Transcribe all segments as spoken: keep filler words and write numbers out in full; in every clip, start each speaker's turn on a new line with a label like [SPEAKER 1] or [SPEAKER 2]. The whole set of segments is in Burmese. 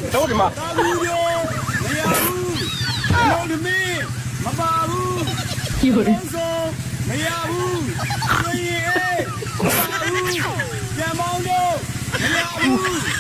[SPEAKER 1] တော့ဒီမှာ
[SPEAKER 2] ဘူးရောမရဘူးလုံးသမီးမပါဘူး
[SPEAKER 3] 有人
[SPEAKER 2] ဆုံးမရဘူးဆွေရင်အေးမပါဘူးပြန်မောင်းတော့မရဘူး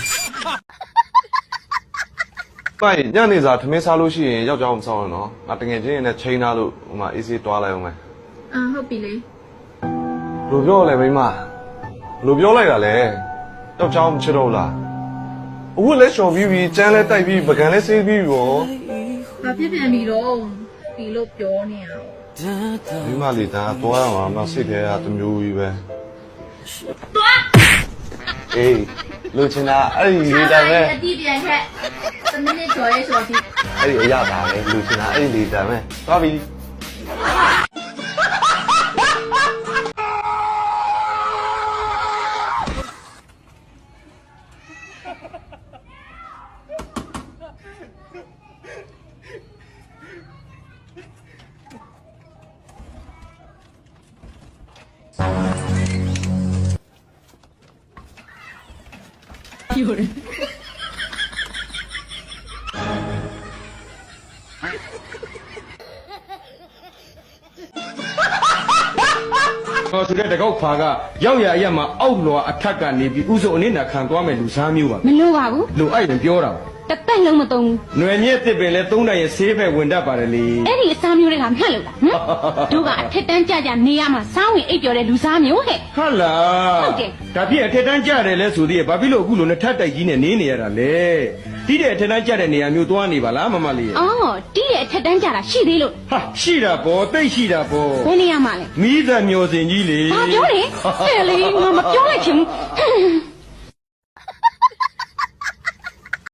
[SPEAKER 1] ပိုင်ညနေစာထမင်းစားလို့ရှိရင်ယောက်ျားမဆောင်ရနော်ငါတကယ်ချင်းရင်လည်းချိန်ထားလို့ဟိုမှာအေးစေးတွားလိုက်အောင်မယ်
[SPEAKER 3] 啊，好比嘞，
[SPEAKER 1] ဘယ်လိုပြောလဲမိမဘယ်လိုပြောလိုက်တာလဲယောက်ျားမချစ်တော့လားအဝတ်လဲလျှော်ပြီးပြီးကျန်းလဲတိုက်ပြီးပကံလဲဆေးပြီးရော
[SPEAKER 3] 把偏偏米咯，比咯表呢。
[SPEAKER 1] မိမလေးဒါတွားရမှာမစိတ်ထဲကတမျိုးကြီးပဲအေးလူချင်တာအဲ့ဒီလေးတိုင်းပဲ
[SPEAKER 3] 地点看，怎么的做一说的？
[SPEAKER 1] အဲ့ဒီအရသာပဲလူချင်တာအဲ့ဒီလေးတိုင်းပဲသွားပြီ
[SPEAKER 3] 有人。
[SPEAKER 4] ဟောဆိုတဲ့တကောက်ဖာကရောက်ရအရက်မှာအောက်လွာအထက်ကနေပြီးဥစုံအနစ်နာခံသွားမယ်လူစားမျိုးပါ
[SPEAKER 5] မလို့ပါဘူး
[SPEAKER 4] လူအဲ့ရင်ပြောတာ
[SPEAKER 5] တသက်လုံးမသုံးဘူး
[SPEAKER 4] ຫນွယ်မြက်တစ်ပင်လဲသုံးတိုင်ရဲ့ဆေးပဲဝင်တတ်ပါတယ်လေ
[SPEAKER 5] အဲ့ဒီအစားမျိုးတွေကမှတ်လို့လားဟမ်တို့ကအထက်တန်းကြကြနေရမှာစားဝင်အိပ်ပျော်တဲ့လူစားမျိုးဟဲ့
[SPEAKER 4] ဟုတ်လား
[SPEAKER 5] ဟုတ်တယ်
[SPEAKER 4] ဒါဖြစ်အထက်တန်းကြတယ်လဲဆိုသေးရဲ့ဘာဖြစ်လို့အခုလိုနဲ့ထက်တိုက်ကြီးနဲ့နေနေရတာလဲတိတဲ့အထက်တန်းကြတဲ့နေရာမျိုးသွားနေပါလားမမလေးရဲ့
[SPEAKER 5] အော်တီးရဲ့အထက်တန်းကြတာရှိသေးလို့
[SPEAKER 4] ဟာရှိတာပေါ့တိတ်ရှိတာပေါ့
[SPEAKER 5] ဘယ်နေရာမှာလဲ
[SPEAKER 4] မိသားမျောစင်ကြီးလေ
[SPEAKER 5] ဘာပြောလဲဟဲ့လေငါမပြောလိုက်ချင်ဘူး